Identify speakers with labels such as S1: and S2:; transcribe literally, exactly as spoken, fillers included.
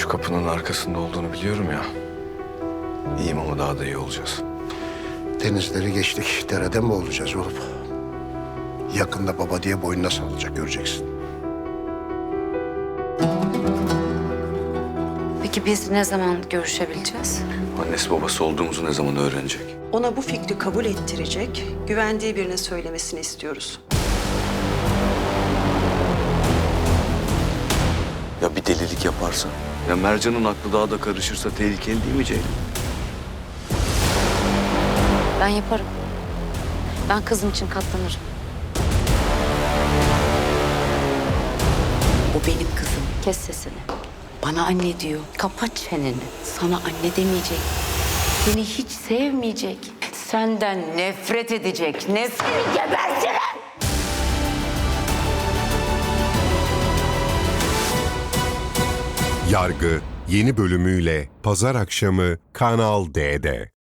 S1: şu kapının arkasında olduğunu biliyorum ya. İyiyim ama daha da iyi olacağız.
S2: Denizleri geçtik. Derede mi olacağız oğlum? Yakında baba diye boynuna sarılacak, göreceksin.
S3: Peki biz ne zaman görüşebileceğiz?
S1: Annesi babası olduğumuzu ne zaman öğrenecek?
S4: Ona bu fikri kabul ettirecek, güvendiği birine söylemesini istiyoruz.
S1: Ya bir delilik yaparsa? Ya Mercan'ın aklı daha da karışırsa tehlikeli değil mi Ceylin?
S3: Ben yaparım. Ben kızım için katlanırım.
S5: O benim kızım.
S3: Kes sesini.
S5: Bana anne diyor.
S3: Kapat çeneni.
S5: Sana anne demeyecek. Seni hiç sevmeyecek. Senden nefret edecek. Nefret gebertirim.
S6: Yargı yeni bölümüyle Pazar akşamı Kanal D'de.